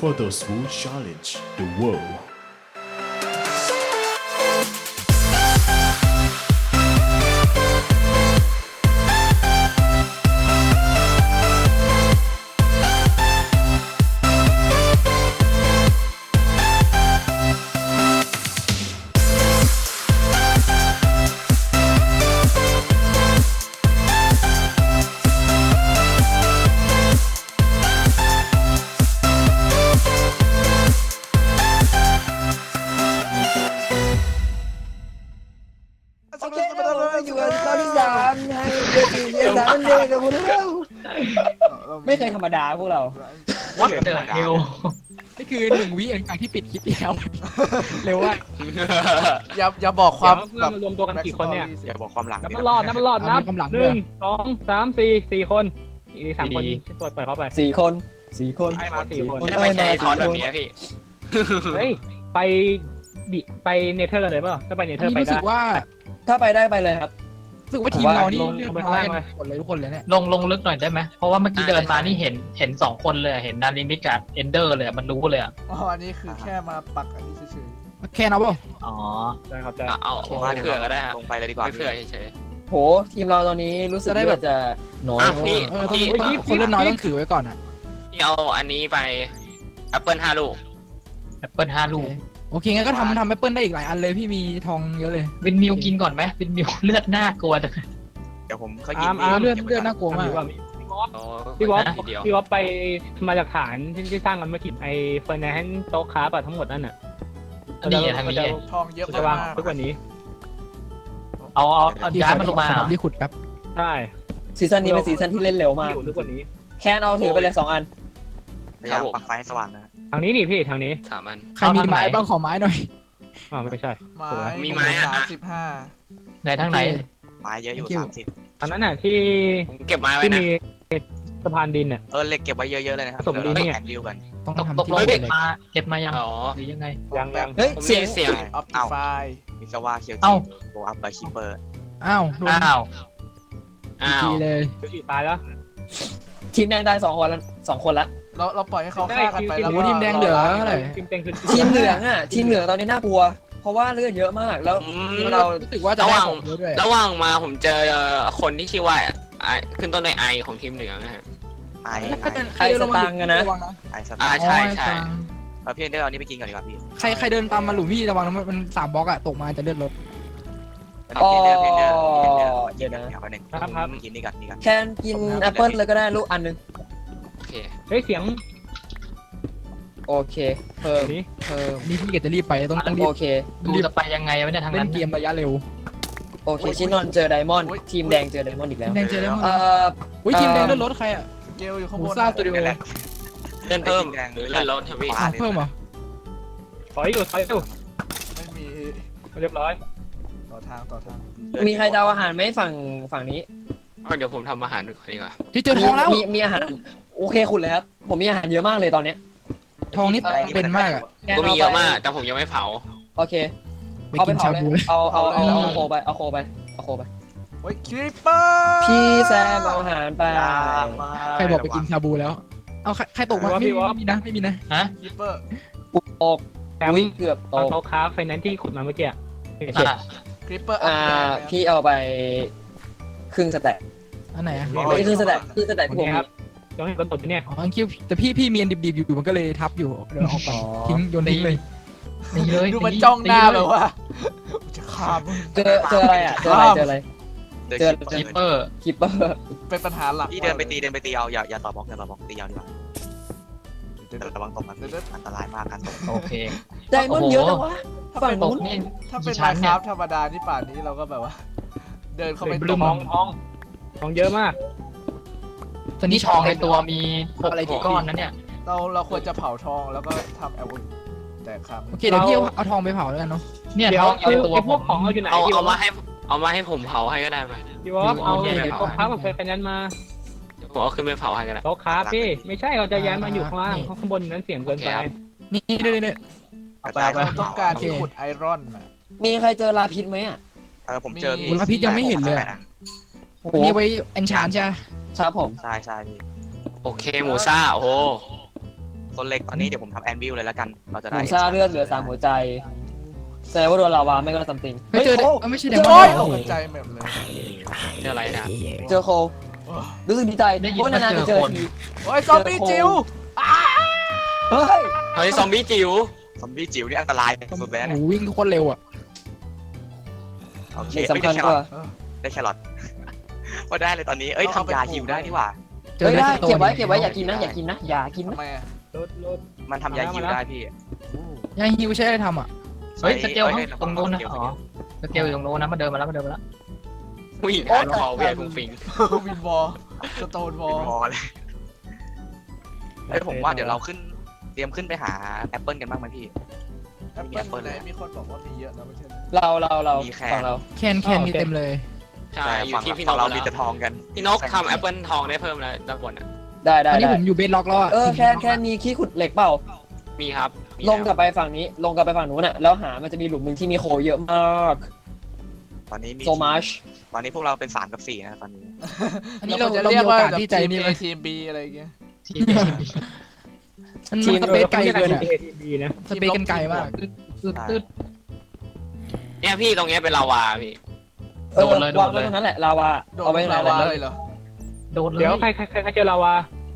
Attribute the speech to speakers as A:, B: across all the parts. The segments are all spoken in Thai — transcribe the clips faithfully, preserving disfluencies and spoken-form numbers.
A: for those who challenge the world.
B: โอเคเราอยู่กันตอนที่สามในเดือนสี่เดือนสามเดือนกับพวกเราไม่เคยธรรมดาพวกเรา
C: วัดเดอร์เฮล
D: นี่คือหนึ่งวิหลังจากที่ปิดคลิปแล้ว เร็วว่า
E: อย่าอย่าบอกความ
C: เพื่อนมารวมตัวกันกี่คนเนี่ย
E: อย่าบอกความหลัง
C: นับมันรอดนับมันรอดนับหนึ่งสองสามสี่สี่คนอีกสามคนเปิดเปิดเข้าไป
B: สี่คนสี่คน
C: ให้มาสี่คน
B: ไม่ใช่ทอนแบบนี้
F: พี่
C: เฮ้ยไปดิไปเนเธอร์เลยเปล่าถ้าไปเนเธอร์ไป
D: รู้
C: ได้
D: สึกว่า
B: ถ้าไปได้ไปเลยครับ
D: รู้สึกว่าทีมเรานี่
C: ลง
D: เรียบ
C: ลง
D: ร้อย
C: ไปข้างล่างเลย
D: หมดเลยทุกคนเลยเนี่ย
G: ลงลงลึกหน่อยได้ไหมเพราะว่าเมื่อกี้เดินมานี่เห็นเห็นสองคนเลยเห็นนาริมิกับเอนเดอร์เลยมันรู้เลยอ่ะ
E: อ๋ออันนี้คือแค่มาปักอันนี้เฉย
D: แค่นะเปล่า
G: อ๋อ
C: ได้ครับได้
F: เอาไม่เผื่อก็ได้ฮะลงไปเลยดีกว่าไม่เผื่อเฉย
B: โหทีมเราตอนนี้รู้สึกว่าจะน้อย
F: อ่ะพี่
D: เออต้องต้องคนเล่นน้อยต้องถือไว้ก่อนอ่ะ
F: ๆพี่เอาอันนี้ไปแอปเปิลห้าลูก
G: แอปเปิลห้าลูก
D: โอเคงั้นก็ทำทำแอปเปิลได้อีกหลายอันเลยพี่มีทองเยอะเลย
G: วินมิวกินก่อนไหมวินมิวเลือดน่ากลัวจัง
E: ๆเดี๋ยวผมเขายิ
C: อาร์มอาร์ม
D: เลือดเลือดน่ากลัวมาก
C: พี่วอฟ
F: โอ้
C: พี่วอฟ
F: ทีเดียว
C: พี่วอฟไปมาจากฐานที่ที่สร้างกันเมื่อกี้ไอเฟอร์นันด์โต๊ะค้าปะทั้งหมดนั่นน่ะ
G: อันนี้ทางนี้
E: ทองเยอะ
C: จะวาง
E: มาก
C: ทุกวันนี้
G: เอาเอาเอาย้ายมันลงมาเหรอ
D: ที่ขุดแป๊บ
C: ใช่
B: ซีซั่นนี้เป็นซีซั่นที่เล่นเร็วมาก
C: อยู่ทุกวันนี้
B: แค่เอาถือไปเลยสองอัน
E: พยายามปักไฟให้สว่างนะ
C: ทางนี้นี่พี่ทางนี้
F: สามอัน
D: ใครมีไม้บ้างขอไม้หน่อย
C: อ๋อไม่ใช่
E: ไม้
F: มีไม้อะ
E: สามสิบห้า
G: ไหนทางไหน
E: ไม้เยอะอยู่
D: Thank you
E: สามสิบ
C: อันนั้นน่ะที่
F: ผมเก็บไม้ไว้
C: ที่
F: นะ
C: มีสะพานดินน่ะ
E: เออเหล็กเก็บไว้เยอะๆเลยนะครับ
C: ผสมดินเนี่ย
E: แอนดิวกัน
D: ต้อง
G: ตก
D: ทำ
G: ตก
D: ที่
G: ลง
D: เก็
G: เก็
D: บบ เลย
G: มาเก็บมายัง
F: อ๋อ
G: หรือยังไง
C: ยังยัง
B: เฮ้ย
F: ผม
B: เสียง
F: มีเสียง
E: ออปติฟายมิสวาเคียว
G: เอ้า
E: จิโบอัพไปคิปเปอร์
D: อ้าวโดน
G: อ้าว
F: อ้าว
D: ทีเลย
C: ตายแล้ว
B: ทีมแดงได้สองคนแล้วสองคนละ
E: เราเราปล่อยให้เขาฆ่ากันไปแล้ว
D: โอ้ทีมแดงเหลือเท่าไหร่
C: ทีมเต็งคือ
B: ทีมเหลืองอ่ะทีมเหลืองตอนนี้น่ากลัว เพราะว่าเลือดเยอะมากแล้ว
F: อื
B: ที
F: ม
B: มเรา
D: รู้สึกว่าจะได้ของเยอะด้วย
F: ระหว่างมาผมเจอคนที่ชื่อว่าไอขึ้นต้นด้วยไอของทีมเหลืองนะฮะ
E: ไอ
D: ถ้าเดิน
B: ใครสตางค์กันนะ
D: ระวังนะ
E: ไอส
F: อ่า
E: ตาร์
F: ใช่ใช่
E: เราพี่เดี๋ยวเอานี้ไปกินก่อนดีกว่าพี่
D: ใครใครเดินตามมาหลุมพี่ระวังนะมันสามบล็อกอะตกมาจะเลือดลด
B: อ๋อ
E: เดี๋ยวเดี๋ยวเดี๋ยวเดี๋ยว
B: เดี๋ยวนะ
E: เดี๋ยวไปหนึ่ง
C: ครับครับ
E: กินนี่ก่อนนี่ก่อน
B: แคนกินแอปเปิลเลยก็ได้ลูกอันหนึง
F: โอเค
C: เฮ้ยเสียง
B: โอเคเพิ่ม
C: นี้
B: เพิ่ม
D: นี่พี่เกดจะรีบไปต้องต้องรี
B: โอบ เค
G: ดูจะไปยังไงวะเนี่ยทาง
D: เล่
G: นั้น น
D: เกมระยะเร็ว
B: โอเคชินอนเจอไดมอนด์ทีมแดงเจอไดมอนด์อีกแล้ว
D: ทีมแดงเจอได้มั้ง
B: เอ่อ
D: อุ้ยทีมแดงเลือดลดใครอะ
E: เกลอยู่ข้าง
D: ห
E: บ
D: มู
E: น
D: ซ่าสตูดิโอ
E: นี่แหละ
F: เลื่อนเพิ่มหรือเลื่อนลดครับพี่
D: อ้าวเพิ่มเหรอ
C: ถอยอยู่ถอยอยู่
E: ไม่มี
C: เรียบร้อย
E: ต่อทางต่อทาง
B: มีใครจะเอาอาหารไหมฝั่งฝั่งนี้
F: เอาเดี๋ยวผมทำอาหารก่อนดีกว่า
D: ที่เจอทองแล้ว
B: มีมีอาหารโอเคคุณเลยครับผมมีอาหารเยอะมากเลยตอนเนี้ย
D: ทองนี่เป็นมากอะ
B: แคน
F: ก็มี
B: า
F: เยอะ
B: ไป
F: มาก แต่ผมยังไม่เผา
B: โอเค
D: ไป
B: เอาไป
D: กิน
B: เผา
D: ชา
B: เลย
D: บูเลย
B: เอาเอาเอาเอาโคไปเอาโคไปเอาโคไป
E: โอ้ยคริปเปอร์
B: พี่แซมเอาอาหารไป
D: ใครบอกไปกินชาบูแล้ว เอาใครใครตกมาไม่ไม่มีนะไม่มีนะ
G: ฮะ
E: คริปเปอร์
B: ตก
C: แซม
B: วิ่งเกือบต
C: เอา
B: ก
C: โต๊ะค้าไฟแนนซ์ที่ขุดมาเมื่อกี้
G: อ่ะ
E: คริปเปอร์
B: อ่าพี่เอาไปครึ่งสแต็ก
D: อันไหนอะ
B: ไม่ใช่ครึ่งสแต็กครึ่งสแต็ก
C: โอ
B: ที่ผมมี
C: เคครับต้องให้คนตดเนี่ย
D: อ๋อคิวแต่พี่พี่มีอันดิบๆอยู่มันก็เลยทับอยู่เดี๋ยวเอาไปทิ้งโยนทิ้งเลย
G: ตีเลย
E: ดูมันจ้องหน้าแบบว่าจะฆ่ามึง
B: เจอเจออะไรอ่ะเจออะไรเจออะไร
E: เจอ
G: คีเปอร์
B: คิปเปอร์
E: เป็นปัญหาหลักพี่เดินไปตีเดินไปตีเอาอย่าอย่าต่อบล็อกอย่าต่อบล็อกตีเอาดีกว่าแต่ระวังตกมันอันตรายมากการตก
G: โอเค
B: ไดมอนด์เยอะจังวะ
E: ถ้า
B: ฝั่ง
E: เป็น
G: ต
B: นู้
G: ก
B: น
G: นี่
E: ถ้าเป็น
G: กี่ชั้
E: มาน ค
G: เนี่
E: รา
G: ย
E: ฟธรรมดานี่ป่านนี้เราก็แบบว่า เดินเข้าไป
C: เป็น
E: ต
C: ท
E: ก
C: องทองทองเยอะมาก
D: ตอน
G: นี่
D: นี้
G: ทองในตัวมีหก
D: อะไรที่
G: ก้อนนะเนี่ย
E: เราเราควรจะเผาทองแล้วก็ทำแอลกอแต่ครับ
D: โอเคเดี๋ยวพี่เอาเอาทองไปเผาแล้วกันเนาะ
G: เนี่ย
C: เดี๋ย
G: ท
C: ว
G: องอยู่
C: คือ
G: ในตัว
C: ไอ้พ
G: ผ
C: วก
G: ม
C: ของเอาอยู่ไหน
F: เอา
C: พี่ว
F: เอา
C: อ
F: มา
C: ฟ
F: ให้เอามาให้ผมเผาให้ก็ได้ไหม
C: พี่วอฟเอาโต๊ะค้ากับไฟแนนซ์มา
F: ผมเอาขึ้นไปเผาให้ก็ได้
C: โต๊ะค้าพี่ไม่ใช่เราจะย้ายมาอยู่ข้างล่างข้างบนนั้นเสียงเกินไป
D: นี่นี่นี่นี่
E: แต่เราต้องการที่ขุดไอรอนน่ะ
B: มีใครเจอลาพิษไหมอ่ะ
E: เออผมเจอ
D: คุณพระพิษยังไม่เห็นเลย
B: โอ้โห
D: นี่ไว้เอนชานใช่ไหม
B: ครับผม
E: ใช่ใช่พี่
F: โอเคหมูซ่าโอ้โห
E: โซนเล็กตอนนี้เดี๋ยวผมทำแอนวิลเลยแล้วกันเราจะ
B: ห
E: ได้
B: มูซาเลือดเหลือสามหัวใจแสดงว่าโดนลาวาไม่ก็ซัมติง
D: ไม่เจอ
B: โค
D: ไม่ใช่เด
H: โอ้
D: ม
H: ย
D: อน
H: ตกใจแบบเลย
F: เจออะไรนะ
B: เจอโครู้สึกดีใจเพราะนานๆจะเจอที
H: โอ้ยซอมบี้จิ๋ว
B: เฮ้ย
F: เฮ้ยซอมบี้จิ๋ว
E: ซอมบี้จิ๋วนี่อันตรายสุดแล้ว
D: โอ้
E: เนี่ย
D: วิ่งโคตรเร็วอ่ะ
E: โอเค
B: สิ่ง
E: เอ้ย
B: สำคั
E: ได้
B: ญ
E: แค
B: ก
E: รอ
B: ว่า
E: ทได้แครอทว่าได้เลยตอนนี้เอ้ยทำยาฮิวได้นี่หว่า
D: เจอ
B: เฮ้ย
D: ได้
B: ได้
D: สโตน
B: เก็บไว้เก็บไว้อย่ากินนะอย่ากินนะอย่ากิน
H: ทำ
B: นะ
H: ไมอ่ะ
C: รถรถ
E: มันทำยาฮิวได้พี่
D: ยังฮิวใช้อะไรทำอ่ะ
G: เฮ้ยสเกล
E: อ้ย
G: ตรงโน้นนะอ๋อสเกลอยู่ตรงโน้นนะมาเดินมาแล้วมาเดินมาแล้ว
F: ผู้หญิงอ่านคอเวียฟุ้งฟิง
H: วินวอลสโตนวอล
E: เป็นวอลเลยเฮ้ยผมว่าเดี๋ยวเราขึ้นเตรียมขึ้นไปหาแอปเปิลกันบ้างไหมพี่
H: แอปเปิ้ลไหนมีคนบอกว่ามีเยอะนะไม่ใช่
B: เราเราเรา
E: มีแค่
B: ฝั่งเรา
D: แคนแคนมีเต็มเลย
F: ใช่
E: ใช่
F: อยู่
E: ฝั่ง
F: ที่พี่น
E: ฝั่
F: ก
E: งเรา
F: แล้
E: มี
F: ว
E: แต่ทองกัน
F: พี่นกทำแอปเปิลทองได้เพิ่มแล้วด้านบนอ่ะ
B: ได้
D: ต
B: ได้
D: อนนี้
B: ได้
D: ผมอยู่เบสล็อกแล้วอ่ะ
B: เออแค่แค่มีขี้ขุดเหล็กเปล่า
F: มีครับมี
B: ลงกลับไปฝั่งนี้ ลงกลับไปฝั่งนู้นน่ะแล้วหามันจะมีหลุมหนึ่งที่มีโคเยอะมาก
E: ตอนนี้มี
B: โซมาช
E: ตอนนี้พวกเราเป็นสามกับสี่นะตอนนี้
D: อันนี้เรา
H: จะ
D: เรา
H: เรี
D: มี
H: ยก
D: โอ
H: ว่าก
D: าสที่ใจนี่ไหม
H: ทีมบีอะไรอย่างเงี้ย
G: ทีม
D: มันมันสเปซไกลเกินอ่ะ
C: เอทีบีนะ
D: สเปซกันไกลมาก
G: ตืดตืด
F: เนี่ยพี่ตรงเนี้ยเป็นลาวาพี่
B: เออ
G: โดนเลยโด
B: วาง
G: นเลย
B: ไว้ตรงนั้นแหละลาวา
H: โดน
B: เอาไว้ตรง
H: ลา
B: นั้นแห
H: วา
B: ละ
H: เลยเหรอ
G: โดนเลย
C: เดี๋ยวใครใครใครใครเจอลาวา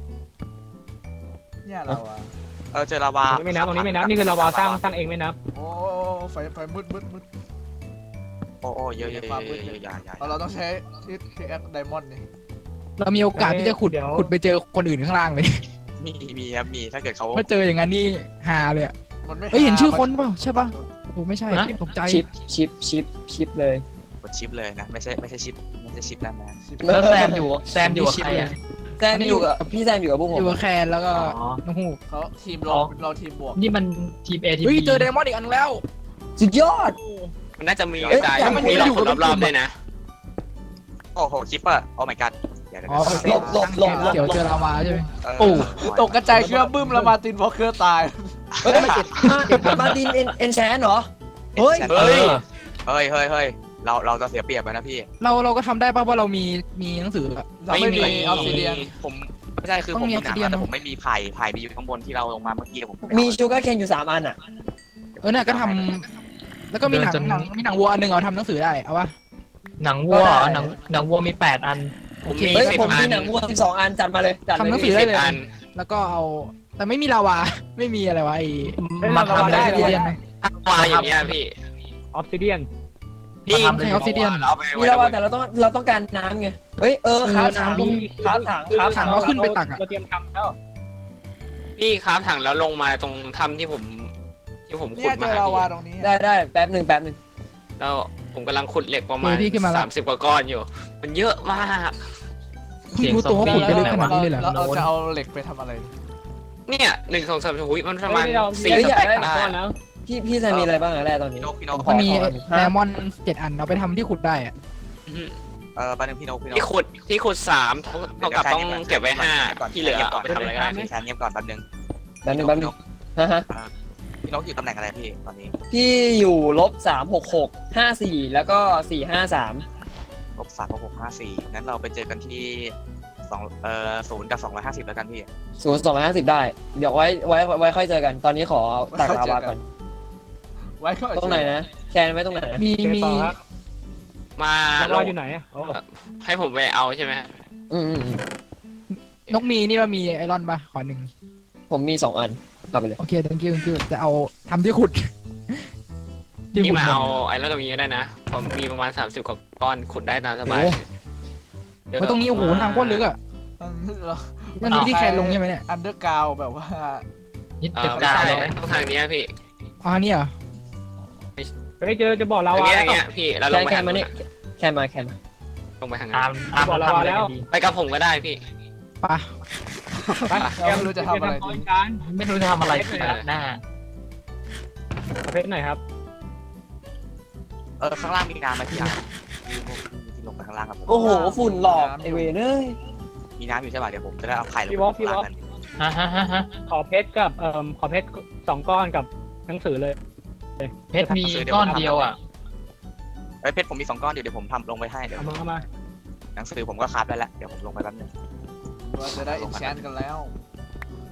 H: เนี่ยลาวา
E: เออเจอลาวา
C: ตรงนี้ไม่นับตรงนี้ไม่นับนี่คือลาวาสร้างสร้างเองไม่นับ
H: โอ้ไฟไฟมืดมืดมืด
E: โอ้โอ้เยอะเยอะเยอะเยอะเยอะอย่าอย่า
H: เราต้องใช้ที่ที่แอคไดมอนด์นี่
D: เรามีโอกาสที่จะขุดขุดไปเจอคนอื่นข้างล่างเลย
E: มีมีครับมีถ้าเกิดเขา
D: ถ้าเจออย่างนั้นนี่ฮาเลยอ่ะ
H: มันไม่
D: เฮ้ยเห็นชื่อคนเปล่าใช่ป่ะโอ้ไม่ใช่ตกใจ
B: ชิปชิปชิปชิปเลย
E: กดชิปเลยนะไม่ใช่ไม่ใช่ชิปไม่ใช่ชิปนั่นนะ
G: แล้วแซมอยู่แซมอยู่กับใครอ่ะ
B: แซมอยู่กับพี่แซมอยู่กับพวกผ
D: อ
B: ม
D: ยู่กับแคนแล้วก็
G: อ๋อ
D: น้องฮูก
H: เขาทีมเราเราทีมบวก
G: นี่มันทีมเอทีม
D: เฮ้ย
G: บี
D: เจอไดมอนด์อีกอันแล้ว
B: สุดยอด
F: มันน่าจะมี
B: เอ้ย
F: กระจาย
B: แต่มัน
F: มีหลอก
D: อยู่
F: คน
D: กับ
F: รอบ
D: กลุ่ม
F: ๆด้วยนะ
E: โอ้โหชิปเปอร์โอ้ my god เดี๋ยวเดี๋ยว
D: อ๋อ
E: เดี๋ยว
B: หลบหลบหลบ
D: เขียวเจอลาวาใช่ไหม
E: เออ
H: โอ้ตกกระจายเครื่องบึ้มแล้วมาตินวอลเกอร์ตาย
B: เฮ้ยมาตินเอ็นเอ็นแชนเหรอ เฮ้ย
E: เฮ้ยเฮ้ยเฮ้ยเฮ้ยเราเราจะเสียเปรียบไปนะพี่
D: เราเราก็ทำได้ป่ะว่าเรามีมีหนังสืออะ
H: เราไม่มีออฟซิเดียน
E: ผมไม่ใช่คือ
D: ต้
E: ผ
D: อง
E: ม
D: มี
E: มีหนัง
D: obsidian
E: แต่ผมไม่มีไผ่ไผ่มีอยู่ข้างบนที่เราลงมาเมื่อกี้ผม
B: มีชูการ์เคนอยู่สามอันอ่ะ
D: เออเนี่ยก็ทำแล้วก็มีหนังหนังมีหนังวัวอันหนึ่งเอาทำหนังสือได้เอาวะ
G: หนังวัวหนังหนังวัวมีแปดอัน
F: ผมมี
B: เฮ้ย
F: สิบ
B: ผม
F: อั
B: มี
F: น
B: หนังวัวสิบสองอันจัดมาเลยจัดเลย
D: ทำหนังสือได้
F: สิบ
D: เลย
F: อัน
D: แล้วก็เอาแต่ไม่มีลาวา ไม่มีอะไรวะไอ้
G: มาทำ
D: ได้
G: ได้
D: เรียนไหม
F: วาอย่างเงี้ยพี่
C: ออฟซิเดียน
F: พี่
G: มาทำเลย
D: ใช้ออฟซิเดียน
F: เอาไป
B: มีแล้วว่าแต่เราต้องเราต้องการน้ำไง เฮ้ยเออครับถัง
D: เออน้ำ
B: ครับถังครับ
D: ถั
B: ถั
D: ง
B: ง
D: เราขึ้นไปตักอะ
C: เราเตรียมทำแล้ว
F: พี่ครับถังแล้วลงมาตรงถ้ำที่ผม ที่ผมขุ
H: เนี่
F: ด
H: ยเจ
F: มา
H: อ
F: หา
H: ลาวา
F: พี่
H: ตรงนี้
B: ได้ได้แป๊บหนึ่งแป๊บหนึ่ง
F: แล้วผมกำลังขุดเหล็กประมาณ
D: เออพี่ขึ้นมาแล้ว
F: สามสิบกว่าก้อนอยู่ มันเยอะมาก
D: เพิ่งรู้ตัวว่าขุดไปลึกขนาดนี้เลยเหรอ
H: เราจะเอาเหล็กไปทำอะไร
F: เนี่ยหนึ่งสองสามหุยมันประมาณ
C: เฮ้ยเรา
F: สี่
C: เฮ้ย
F: ส
C: อยาก
F: เต็ก
C: ได้
F: ได้
C: ก้อนแล้ว
B: พี่พี่จะมีอะไรบ้างอะแร่ตอนนี้
E: พี่นกพี่นก
B: ข
D: มันมี
B: ขอ
D: ไดมอนด์เจ็ดอันเอาไปทำที่ขุดได้อะ
E: เออปนึงพี่นกพี่นก
F: ที่ขุดที่ขุดสามเท่าเท่ากับต้องเก็บไว้ห้าที่เหลือเอาไปทำอะไรก็ได้
E: แชร์เงียบก่อนแป๊บนึง
B: แป๊บหนึ่งแป๊บหนึ่งฮะฮะ
E: พี่นกอยู่ตำแหน่งอะไรพี่ตอนนี้
B: พี่อยู่ลบสามหกหกห้าสี่แล้วก็สี่ห้าสาม
E: ลบสามหกห้าสี่งั้นเราไปเจอกันที่สองเอ่อศูนย์กับสองร้อยห้าสิบแล้วกันพี่
B: ศูนย์สองร้อยห้าสิบได้ เดี๋ยวไว้ไว้ไว้ค่อยเจอกัน ตอนนี้ขอตักลาวาก่อน
H: ไว้ก็
B: ตรงไหนนะแคนไว้ตรงไหนนะ
D: มี
C: เจอ
D: มี
C: ต่อครับ
F: มา
C: ลาวาอยู่ไหนอะโอ้
F: ให้ผมไปเอาใช่ไหม
B: อืมอืมอืม
D: นกมีนี่ว่ามีไอรอนปะขอหนึ่ง
B: ผมมีสองอันเอาไปเลย
D: โอเค thank you thank you จะเอาทำที่ขุด ที่
F: นี่
D: ขุด
F: มา
D: หมด
F: เอาไอ้แล้วตรงนี้ก็ได้นะผมมีประมาณสามสิบกว่าก้อนขุดได้ตามสบาย
D: โอ้
F: เดี๋ยว
D: โอ้ตรงนี้โอ้โหทางโคตรลึกอ่ะนั่นนี่ที่แคนลงใช่ไหมเนี่ย
H: อันเดอร์กราวแบบว่า
G: นิด
F: เอ
G: เดี
F: อ
G: ยว
F: ไม่
G: กา
F: ใช่
G: เลย
F: ต้องทางนี้พี่
D: อ๋อนี่เหรอ
C: เฮ้ยเจอจะบอก
F: ทา
C: ลาง วา
F: นี้
C: แล้
F: อย่างเงี้
C: วย
F: พี่แล้วล
B: แค
F: ง
B: น
F: ไป
B: แคน
F: ทาง
B: มา
F: นู้น
B: นี่
F: อะ
B: แคนมาแคนมา
F: ลงไปทาง
G: ตา
F: นั้
G: ม
F: น
G: ตาม
C: บอกลาวาแล้ว
F: ไปกับผมก็ได้พี่
D: ปะ
C: ไป
H: เราไม่รู้จะทำอะไรดี
C: การ
G: ไม่รู้จะทำอะไรหน้า
C: เพชรหน่อยครับ
E: เออข้างล่างมีน้ำไหมพี่อ่ะมีพวกมีที่ลงไปข้างล่างครับผม
B: โอ้โหฝุ่นหลอกไอเวนเอ้ย
E: มีน้ำอยู่ใช่ป่ะเดี๋ยวผมจะได้เอาไข่ลง
C: พี่
E: ไป
C: วอล์กพี่วอล์ก
E: ข้างล่างกัน
G: ฮะฮะฮะฮะ
C: ขอเพชรกับเอ่อขอเพชรสองก้อนกับหนังสือเลย
G: เพชรมีก้อนเดียวอ่ะ
E: เอ้ยเพชรผมมีสองก้อนเดี๋ยวเดี๋ยวผมทำลงไปให้เดี๋ยว
C: เอามาเอามา
E: หนังสือผมก็คราฟได้แล้วเดี๋ยวผมลงไปแป๊บนึง
H: เราจะได้อินแชนกันแล้ว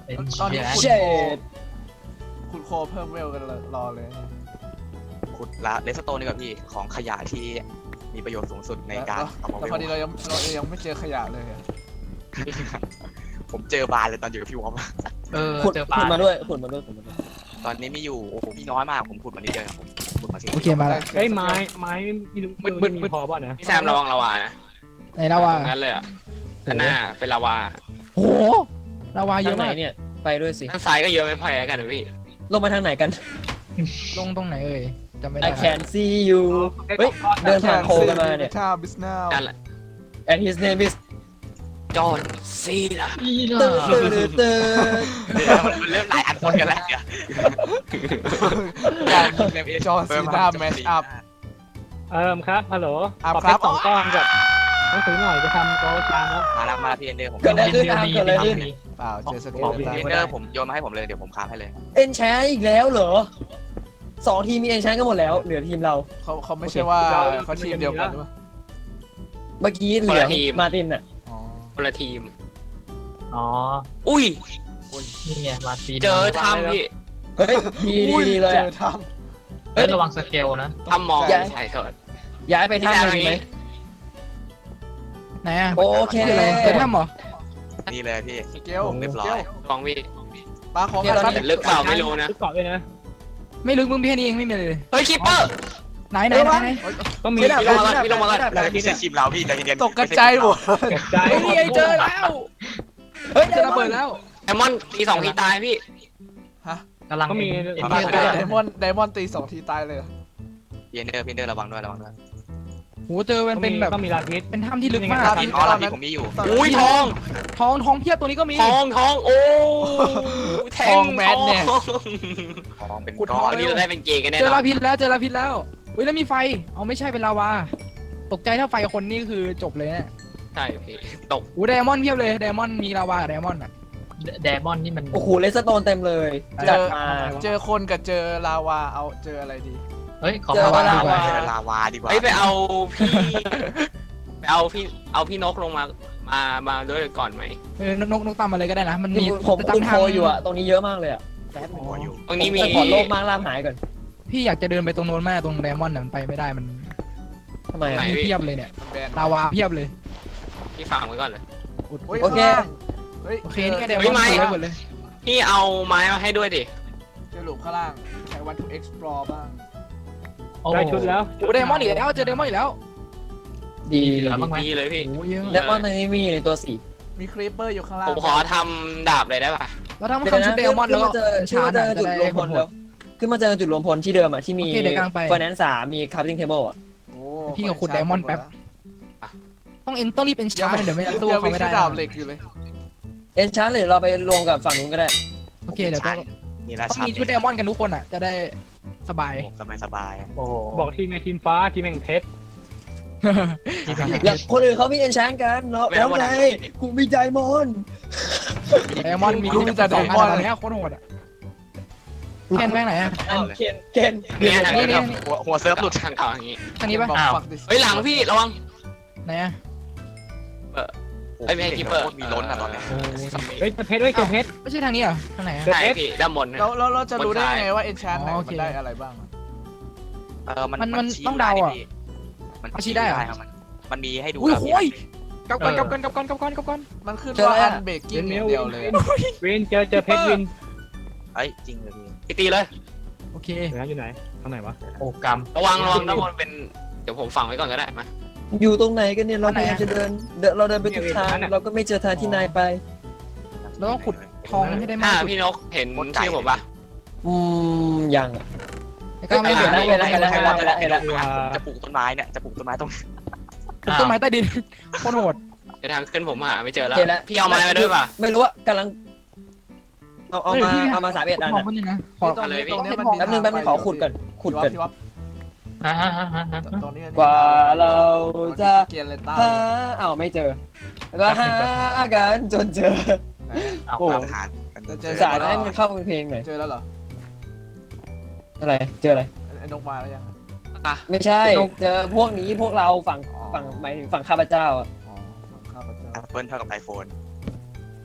G: เป็น
H: ตอนนี้
G: เชี่ย
H: คุณโคคุณโคเพิ่มเวลกันรอเลย
E: ขุดละเลสโตนนี่กับพี่ของขยะที่มีประโยชน์สูงสุดในการเอามา
H: แต่
E: เว
H: พอดี
E: ล
H: เรายังเรายังไม่เจอขยะเลยอะ
E: ผมเจอบานเลยตอนอยู่กับพี่วอม
G: เออ
B: ขุด
G: เจอปลา
B: ขุดมาด้วยขุดมาด้วยขุดมาด้วย
E: ตอนนี้มีอยู่โอ้โหพี่น้อยมากผมขุดมานิดเดียวผมขุดมาสิ
D: โอเคมาแล้ว
C: เฮ้ยไม้ไม้มีมืดมืดมีพอป่ะนะ
F: พี่แซมระวังระวานะ
D: ไหนลาวา
F: ตรงนั้นเลยอ่ะด้านหน้าเป็นลาวา
D: โหลาวาเย
B: ทาง
D: อะ
B: ไหน
D: มาก
B: เนี่ยไปด้วยสิ
F: ด้านซ้ายก็เยอะไม่พอกันนะพี่
B: ลงมาทางไหนกัน
D: ลงตรงไหนเอ่ยจำไม่ได้
B: I can see you เฮ้ยเดินผ่านโคกันมาเนี่ย
H: ชาบิสเนล
F: นั่นแหละ
B: and his name is
F: จอห์นซีนะ
G: อีน่
B: ตื่นตื่นตื่นตื่น
E: เดี๋ยวมันเริ่มหลายอันคนกันแล้วเดี๋ยว
H: จอห์นซีนาแมชอัพ
C: เอิมครับฮัลโหล
H: อ่ะ
C: ขอ
H: ครั
C: เพช
H: บ
C: รสองก้อนกับหนังสือหน่อยจะทำโต๊ะจานแล้ว
E: มาแล้วมาแล้วพี่เอนเดอร์ผม
B: เกิดอะไรขึ้นครับ
G: มี
B: เกิดอะไรขึ้น
G: มี
H: เปล่าเจอสเก
C: ขอ
H: ล
C: พี่
H: ตัน
E: เอนเดอร์ผมโยนมาให้ผมเลยเดี๋ยวผมคราฟให้เลย
B: เอ็นแชร์อีกแล้วเหรอสองทีมมีเอ็นแชร์กันหมดแล้วเหลือทีมเรา
H: เขาเขาไม่ใช่ว่าเขาทีมเดียวกันหรือเปล่า
B: เมื่อกี้เหลือมาตินอ่ะ
H: อ๋อ
F: คนละทีม
G: อ๋อ
F: อุ้ย
G: นี่ไงมาตีน
F: เจอถ้ำพี่
B: เฮ้ยดีดีดีเลย
H: เจ
B: อะ
H: อท
G: เฮ้ยระวังสเกลนะ
F: ถ้ำมอง
B: อย่า
F: ใช่เถอะ
B: ย้ายไปท่าหนึ่งไหม
D: ไหนอ่ะ
B: โอเค
D: คืออะไรเป็นถ้ำเหรอ
E: นี่เลยพี่
H: ำสเกล
E: เรียบร้อย
F: ลองพี่
H: ปลาของ
B: เดี๋ยว
H: กัน
B: เรา
F: แต่ลึกเปล่าไม่รู้นะ
C: เกาะด้วยนะ
D: ไม่ลึกมึงพี่แค่นี้เองไม่มีอะไรเลย
F: เฮ้ยคิปเปอร์
D: ไหนไหนไหนไหน
C: ก็มี
B: ไม่ได้
F: พี่ลงมาก่อนพี่ลงมาก่อน
E: ไม่ใช่ทีมเราพี่ใจเย็นๆ
H: ตกกระจายหมด
C: เก็บใจ
D: เฮ้ยนี่ไงเจอแล้วเฮ้ยเจอระเบิดแล้ว
F: ไดมอนด์ตีสองทีตายพี่
G: กำลัง
C: ก็มี
G: เอ็น
H: ได
G: เอ็นเอ็น
H: ไดมอนด์ไดมอนด์ตีสองทีตายเลย
E: พี่เอนเดอร์พี่เอนเดอร์ระวังด้วยระวังด้วย
D: โหเจอมันเป็นแบบ
C: ก็มีลาพิษ
D: เป็นถ้ำที่ลึกมาก
E: พี่อ๋อเราพี่ผมมีอยู่
F: อุ้ยทอง
D: ทองทองเพียบตัวนี้ก็มี
F: ทองทองโอ้แทงทอง
E: ของเป็น
D: ขุดท
E: ก้
D: อ
E: อง น
F: นี่เราได้เป็นเกย์กันแน่
D: เจอน
F: อ
D: ลาน พิษแล้วเจอลาพิษแล้วเฮ้ยแล้วมีไฟเอาไม่ใช่เป็นลาวาตกใจถ้าไฟคนนี่คือจบเลยเนี่ย
F: ใช่พี่ตก
D: โอ้ไดมอนด์เพียบเลยไดมอนด์มีลาวากับไดมอนด์อ่ะ
G: แดมอนนี่มัน
B: โอ้โหเลสโตนเต็มเลย
H: เจ
B: จัด
H: อ
B: มา
H: เจอคนกับเจอลาวาเอาเจออะไรดี
G: เฮ้ยขอ
B: เจอ
G: มา
B: ลา
G: ดีก
B: วา
G: ว่า
E: เจอลาวาดีกว่า
F: เฮ้ยไปเอาพี่ไปเอาพี่เอาพี่นกลงมามามาด้วยก่อนไหม
D: เออนกนกนกตามมาเลยก็ได้นะมันมี
B: ผมคุณโคอยู่อะตรงนี้เยอะมากเลยอะ
E: หัวอยู่
F: ตรงนี้มี
B: แต่ขอโลกมากล่ามหายก่อน
D: พี่อยากจะเดินไปตรงโน้นแม่ตรงไดมอนด์น่ะมันไปไม่ได้มัน
B: ทำไมอะ
D: มีเพียบเลยเนี่ย
H: มันแบน
D: ลาวาเพียบเลย
F: พี่ฟังไว้ก่อนเลย
H: โอ้ย
B: โอเค
H: เฮ้ย
D: โอเคนี่ก็ได
F: เฮ้
D: มอน
F: ยไม่
D: ด์ไว้หมดเลย
F: พี่เอาไม้มาให้ด้วยดิ
H: เจอหลุมข้างล่างใครวัน to explore บ้าง
G: โอ้
C: ได้ชุดแล้ว
D: โอ้ไดมอนด์อีกแล้วเจอไดมอนด์อีกแล้ว
B: ดี
G: เหลือบ้างไหม
F: ดีเลยพี่
D: โอ้เยอะ
B: แล้วก็ในนี้มีในตัวสี
H: มีครีปเปอร์อยู่ข้างล่าง
F: ผมขอทำดาบเลยได้ป่ะ
D: เราต้องมาทำชุดไดมอนด์แล้วก็
B: เจอ
D: ชา
B: เจ
D: ร์
B: อ
D: จ
B: จุด
D: จะ
B: ร
D: ได้
B: วมพ
D: ผ
B: ล
D: ล
B: แล้วขึ้นมาเจอจุดรวมพลที่เดิมอะที่มี
D: โอเคเดี๋ยวกลางไป
B: ไฟแนนซ์สามมีคาร์ติ้งเทเบิลอะ
H: โอ้
D: พี่กับขุดไดมอนด์แป๊บ ต้องเอ็นต้องรีบเป็นชาร์จเดี๋ยวไม่งั้นสู้
H: ยัง
D: เขา
H: มี
D: ไม่
H: แค่
D: ได้
H: ดาบเหล็กอยู่เลย
B: เอ็นชาร์หรือเราไปรวมกับฝั่งนู้นก็ได้
D: โอเคเดี๋ยวต้อง
E: นี่ละ
D: ต้อง
E: ชั้น
D: มีชุดไดมอนด์กันทุกคนอ่ะจะได้สบาย
E: สบายสบาย
G: โอ้โห
C: บอกทีมในทีมฟ้าทีมแห่งเพชร
B: แล้วคนอื่นเขามีเอ็นชาร์กันแล้วแล้วไงกูมีใจมอน
D: ไดมอนด์มีที่เป็นสองอันตอนนี้โคตรโหดอ่ะแคนแม่งไหนอ่ะ
B: อันเคนเคน
F: เนี่ยทาง
D: นี่
F: นี้
D: นี่
E: หัวหัวเซิร์ฟหลุด
F: ทางเก่าอย่างนี้
D: ทางนี้ปะ
H: บอก
G: อ้าว
H: fuck this
F: เฮ้ยหลังพี่ระวัง
D: ไหนอ่ะ
F: เอ้ยไม่ให้ Keeper
E: มีล้นอะตอนเนี้ย
C: เฮ้ยเจอเพชรเฮ้ยเจอเพชร
D: ไม่ใช่ทางนี้เหรอทางไหนอ่ะ
F: ใช่พี่ด้านบนนะ
H: แล้วแล้วเราจะรู้ได้
F: บนซ้าย
H: ไงว่า enchant ไหน
D: อ๋อโอ
H: มั
D: เค
H: นได้อะไรบ้างอะ
E: เออมัน
D: มันมัน
E: ชี้
D: ต้องเดาอะ
E: พี่มัน
D: เอาชี้ได้เหรอ
E: ครับมันมันมีให้ดู
D: อุ้ย
E: แล้ว
D: โห
E: พี่
D: ยกลับก่อนกลับก่อนกลับก่อนกลับก่อนกลับก่อน
H: มันขึ้นว่า
B: เจออะไรอะ
H: unbreaking อย่างเดียวเลยอะ
C: วินเจอเจอเพชรวิน
E: เอ้ยจริงเลยพี่
F: พี่ตีเลย
D: โอเค
C: เดี๋ยวนะอยู่ไหนทางไหนวะ
G: โอ้กรรม
F: ระวังระวังด้านบนเป็นเดี๋ยวผมฝังไว้ก่อนก็ได้มา
B: อยู่ตรงไหนกันเนี่ยเราพยายามจะเดินเดินเราเดินไปทุกทางเราก็ไม่เจอทางที่นายไป
D: เราต้องขุดทองให้ได้มา
F: ถ้าก
D: สุด
F: พี่นกเห็นชื่อผมปะ
B: อืมยังอะ
D: ไอ้ก้าวไม่
B: เห็นแล้วเห็นแล้วเห็นแล้วเห็นแล้วเห็นแล้วเห็นแล้ว
E: จะปลูกต้นไม้เนี่ยจะปลูกต้นไม้ตรง
D: ปลูกต้นไม้ใต้ดินโคตรโหด
F: เดี๋ยวทางขึ้นผมหาไม่เจอแล้ว
B: เห็นแล้ว
F: พี่เอาไม้มาด้วยป่ะ
B: ไม่รู้ว่ากำลังเอาเอามาเอามาสามเอ็ดอัน
D: ทอง
B: อะ
D: มันนี่นะขอ
H: ตรงนี้ตรงนี้มัน
B: แป๊บนึงแป๊บนึงขอขุดก่อนขุดก่อน
H: พี่วับ
G: อ่าฮะฮะฮะฮะ
H: ตรงนี้
B: กว่าเราจะ
H: เกียร์เลต้า
B: หาอ้าวไม่เจอแล้วก็หากันจนเจอ
G: เอา
B: โอ้
E: ตามหากัน
H: เจอ
B: สายให้มันเข้าเป็นเพลงหน่อย
H: เจอแล้วเหรอ
B: อะไรเจออะไร
H: ไอ้นกมาแล้วยัง
F: อ่ะ
B: ไม่ใช่เจอพวกนี้พวกเราฝั่งฝั่งหมายถึงฝั่งข้าพเจ้าอะ
H: อ๋อข้าพเจ้า
E: แอปเปิลเท่ากับไอโฟน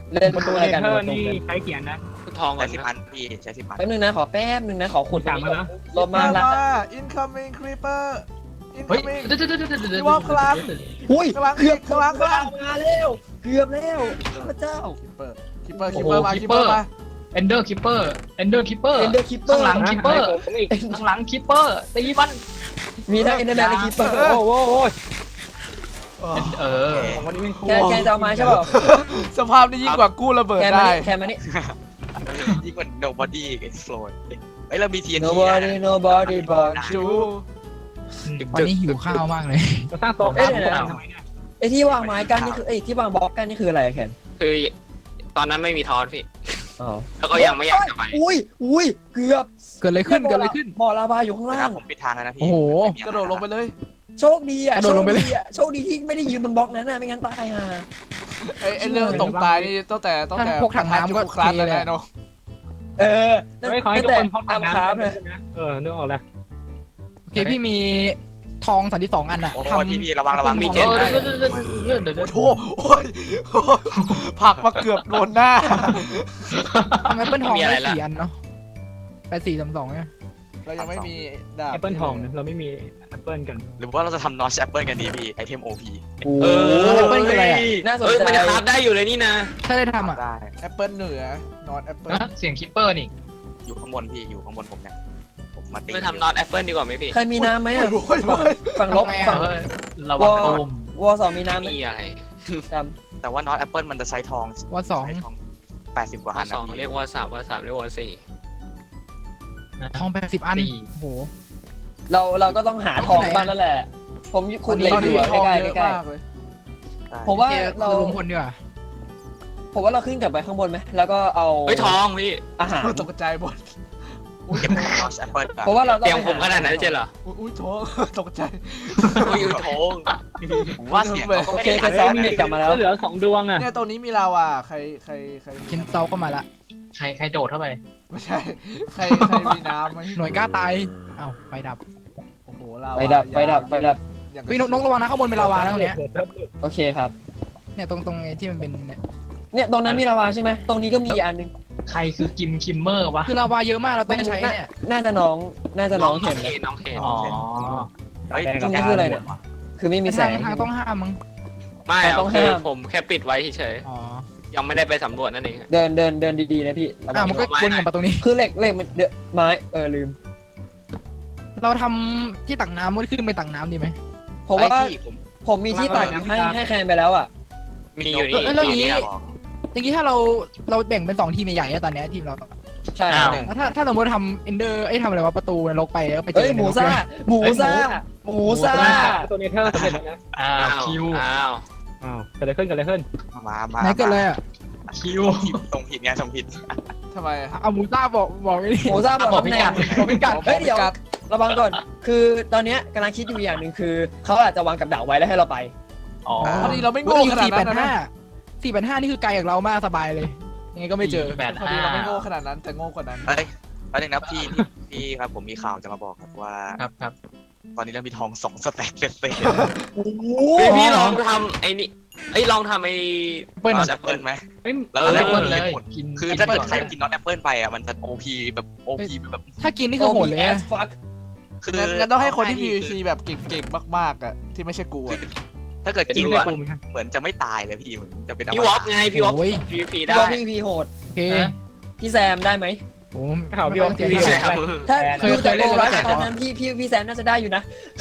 B: เล่น
C: ประตู
B: อะ
C: เน
B: ไรกัน
C: เธอร์นี่ใช้เขียนนะ
F: ทองก่อ
E: ใช้
F: น
E: สิบ
F: นะ
E: อันพี่ใช้สิบอัน
B: แป๊บนึงนะขอแป๊บนึงนะขอขุด
C: ถามมาแล้ว
B: ลบมาละ
H: อินคัมมิ่งครีเปอร์ อิน
G: เฮ้
H: คั
G: ย
H: มมิ่ง
G: เดี๋ยวเดี๋ยวเดี๋ยวเดี๋ยวเดี๋ยว
H: พี่ว่าพลัง
B: อุ้ย
H: ข้างหลัง
B: เกือบ
H: ข้างหลังข้างหลัง
B: มาแล้วเกือบแล้วพระเจ้า
H: คิปเปอร์คิปเปอร์คิปเปอร์มาคิปเปอร์มา
G: เอนเดอร์คิปเปอร์เอนเดอร์คิปเปอร์
B: เอ็นเดอร์คิปเปอ
G: ข้าง
B: ร์
G: หลังคิปเปอร์
C: ผมอีก
G: ข้างหลังคิปเปอร์ตีมัน
B: มีทั้งเอ็นเดอร์แมนและคิปเปอร์
C: โอ้โหโอ้ย
G: เออ
C: ของวันนี้เป็นครู
B: แกแกจะเอาไม้ใช่เปล่า
H: สภาพนี้ยิ่งกว่ากู้ระเบิด
B: แกมา
H: ได้
B: นี่แกมานี่
E: ยิ่งกว่า nobody explode เฮ้ยเรามี ที เอ็น ที
B: nobody nobody but
H: จู
D: วันนี้หิวข้าวมากเลย
C: จะสร้างโต๊ะ
B: เอ้ยเดี๋ยว
C: ทำ
B: นะ
C: ไมเนี่ย
B: ไอ้ที่วางไม้กันนี่คือไอ้ที่วางบล็อกกันนี่คืออะไรอะแคน
F: คือตอนนั้นไม่มีทอนพี่
B: อ๋อ
F: แล้วก็ยังไม่อยากจะไป
B: อุ้ยอุ้ยเกือบ
D: เกิดอะไรขึ้นเกิดอะไรขึ้น
B: บ่อลาวาอยู่ข้าง
E: นะค
B: ล่า
E: รับ
B: ง
E: ผมปิดทางแล้วนะพี่
D: โอ้โห
H: กระโดดลงไปเลย
B: โชคดีอ่ะ
D: กระโดดลงไปเลย
B: โชคอะโชคดีที่ไม่ได้ยืนบนบล็อกนั้นน่ะไม่งั้นตายห่า
H: ไอ้ไอ้เรื่องตกตายนี่ตั้งแต่ตั้งแต่
D: ถ้าพกถังน้ำก็
H: คลาส
D: เท
H: แล้ว
D: เลย
H: นะเนาะ
B: เออ
C: ไม่ขอให้ทุกคนพก
B: ตาม
C: น้ำ
B: ครับ
C: นะ
B: เลย
C: เออนึกออกแล้ว
D: โอเคพี่มีทองสามสิบสองอันอะ
E: โอ้โห
D: ทำ
E: พี่พี่ระวังระวังมี
G: เอ
E: เจ็ด
G: อ
E: นะ
G: เดี๋ยวเดี๋ยวเดี๋ยวเดี๋ยวเดี๋ยว
H: โอ้โหโอ้ยโอ้ยผลักมาเกือบโดนหน้า
D: ทำแอปเปิลทองได้สี่อันเนาะแปดสี่สามสองเนี่ย
H: เรายังไม่มีดาบ
C: แอปเปิลทองนะเราไม่มีแอปเปิลกัน
E: หรือว่าเราจะทำ notch apple กันดีพี่ไอเทม โอ พี
B: โอ้
F: เออ
B: โห
D: แอปเปิลคืออะไรอะ
B: น่าสน
F: เอ้ย
B: ใจ
F: มันจะคราฟได้อยู่เลยนี่นะ
D: ถ้าได้ทำอะ
E: ได้
H: แอปเปิลเหนือนอตแอปเปิล
G: นะเสียงคิปเปอร์นี่
E: อยู่ข้างบนพี่อยู่ข้างบนผมเนี่ยผมมาตี
F: ไปทำนอตแอปเปิลดีกว่าไหมพี่
B: ใครมีน้ำไหมอ่ะ
H: โอ้ยโอ้ย
B: ฝั่งลบฝั่ง
G: เออระวังตูม
B: วอสองมีน้ำไหม
F: มีอะไร
B: จ
E: แต่ว่า notch apple มันจะใช้ทอง
D: ว่าสอง
E: ใช้ทองแปดสิบกว่า
F: ข้
E: อั
F: อน สอง
E: นะพี่
F: เรียกว่าสามว่าสามเรียกว่าสี่
D: ทองแปดสิบอัน
G: สี่
D: โอ้โห
B: ำเราเราก็ต้องหาทองบ้างแล้วแหละ ผมขุดเหล็ก
H: ตอน
B: อ
H: นี้
B: ยู่
H: มี
B: อะ
H: ทอง
B: ใกล้
H: เย
B: ๆ
H: อะ
B: ใกล้
H: มากเลย
B: ๆผมว่า
D: โอเค
B: เรา
D: รวมคนดีกว่า
B: ผมว่าเราขึ้นกลับไปข้างบนไหมแล้วก็เอา
F: เฮ้ยทองพี่
B: อาหาร
H: ตกใจหมด
E: เก็บ notch apple ก่อน
B: เพราะว่าเราต้อง
F: เตรียม
B: ไป
F: ผมข
B: หา
F: นาดนั้นใช่เหรอ
H: อุ้ยอุ้ยท้องตกใจ
F: อุ้ยอุ้ยทอง
E: ผมว่าเสียงเขาก็
B: โอ
E: ไม่
B: เค
E: ได้
B: ไปซ้อมเด็กกลับมาแล้ว
C: เหลือสองดวงอ่ะ
H: เนี่ยตรงนี้มีลาวาใครใครใคร
D: คินเตาก็มาละ
G: ใครใครโดดเข้าไป
H: ไม่ใช่ใครใครมีน้ำไหม
D: หน่วยกล้าตายเอ้าไฟดับ
H: โอ้โหลาวา
B: ไปดับไปดับไปดับ
H: อย่าง
D: พี่นกนกระวังนะข้างบนเป็นลาวานะตรงเนี้ย
B: โอเคครับ
D: เนี่ยตรงตรงไอ้ที่มันเป็นเนี่ย
B: เนี่ยตรงนั้นมีลาวาใช่ไหมตรงนี้ก็มีอีกอันหนึง
G: ใครคือกิมคิมเมอร์วะ
D: คือลาวาเยอะมากเราต้องใช้เนี่ย
B: น่าจะน้องน่าจะน้อง
F: น้
B: เห็
F: อง
B: น
F: เคน
B: นะ
F: น้องเคน
G: อ๋อ
E: เฮ้ย
B: ตรงนี้คืออะไรเนี่ย คือไม่มีแส
D: ทาง
B: ง
D: ทางต้องห้ามมั้ง
F: ไม่
B: ต้
F: เอา
B: อง
F: คือ
B: ห้าม
F: ผมแค่ปิดไว้เฉย
D: อ๋อ
F: ๆยังไม่ได้ไปสำรวจนั่นเอง
B: เดินเดินเดินดีๆนะพี่ระวั
D: อ่าง มันก็วนกลับมาตรงนี้
B: คือเหล็กเหล็กมันเดอะไม้เออลืม
D: เราทำที่ตักน้ำมันขึ้นไปตักน้ำดีไหม
B: ผมว่า
E: ไอ้ที่ผม
B: ผมมีที่ตักให้ให้แคนไปแล้วอ่ะ
F: มีอยู่นี่
D: เอ้ยแล้ว
F: มี
D: นี้
F: นี่
D: อย่างนี้ถ้าเราเราแบ่งเป็นสองทีมใหญ่ๆอะตอนเนี้ยทีมเรา
B: ใช่
G: อ้าว
D: แล้วถ้าถ้าสมมติทำเอนเดอร์ไอ้ยทำอะไรวะประตูนรกไปแล้วไปเจ
B: เอ้ย
D: อ
B: หมูซ่าหมูซ่าหมูซ่า
C: ตัวเนเธอร์สำเร็จแล้วนะ
G: อ้า
F: อ้าว ว
G: คิว
F: อ้าว
C: อ้าวเกิดอะไรขึ้นเกิดอะไรขึ้น
E: มามา
D: ไหนเกิดเลยอ่ะ
G: คิว
E: ส่งผิดไงส่งผิด
H: ทำไม
D: เอาหมูซ่าบอกบอกไอ้นี่
B: หมูซ่าบอก
G: บอก
B: ตำ
G: พิ
B: แหน่
G: กั
B: ง
G: ด
D: บอกพิกัด
B: เฮ้ยเดี๋ยวระวังก่อน คือตอนเนี้ยกำลังคิดอยู่อย่างหนึ่งคือเขาอาจจะวางกับดักไว้แล้วให้เราไป
G: อ๋อ
H: พอดีเราไม่
D: โอ้
H: โง่
D: ย
H: ขนาด
D: สี่แป
H: นั้
D: ด
H: นนะ
D: ห้าสี่แปดห้านี่คือไกลจากเรามากสบายเลยยังไงก็ไม่เจอ
G: แปด
H: พอ
G: ห้า
H: ดีเราไม่โง่ขนาดนั้นแต่โง่กว่านั้น
E: เฮ้ยแล้วหนึ่งนะพี่พี่พี่ครับผมมีข่าวจะมาบอกครับว่า
G: ครับครับ
E: ตอนนี้เรามีทองสองสแต็กเต็ม
B: โอ้โห
F: เฮ้ยพี่ลองทำไอ้นี่ไอ้ยลองทำไอ้
E: ๆเปิ้ลแอปเปิลไหม
C: เฮ้ย
E: แล้ว
G: เออ
E: แล้ว
G: เปิดเลยกิน
E: คือถ้าเกิดใครกินน็อตแอปเปิลไปอ่ะมันจะ โอ พี แบบ โอ พี แบบ
D: ถ้ากินนี่คือโหดเลย
B: แอ
D: นะ
B: สฟัก
E: คือ
H: งั้นงั้นต้องให้คนที่ พี วี ซี แบบเก่งๆมากๆอ่ะที่ไม่ใช่กูอะ
E: ถ้าเกิดกิน
C: ใน
E: แล้ว
C: กลุ่มครับ
E: เหมือนจะไม่ตายเลยพี่เหมือนจะเป็น
F: พี่วอฟไงพี่วอฟ
D: โอ้ย
F: พีพี
B: พี่
F: ได้
B: ว่าพี่พีโหด
D: โอเค
B: พี่แซมได้ไหม
D: โอ้
C: ข่าวพี่ว่า
D: เสีย
C: พี่
D: ใจ
C: ว่า
B: ถ้า
D: เคย
B: ดูจาก
D: เคยเล่
B: โก
D: น
B: รัส
D: แล้ว
B: ตอนนั้นพี่พี่พี่แซมน่าจะได้อยู่นะ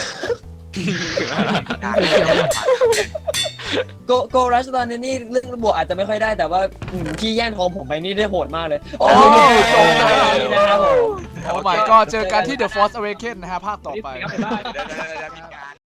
B: โกโกรัสตอนนี้นี่เรื่องบวกอาจจะไม่ค่อยได้แต่ว่าอืมพี่แย่งทองผมไปนี่ได้โหดมากเลย โอ้ยจบเลยนะครับผม
H: โอ้ my god เจอกันที่ The Force Awakens นะฮะภาคต่อไป
C: นี่เสียไปได้
E: เดี๋ยวๆๆๆมีการ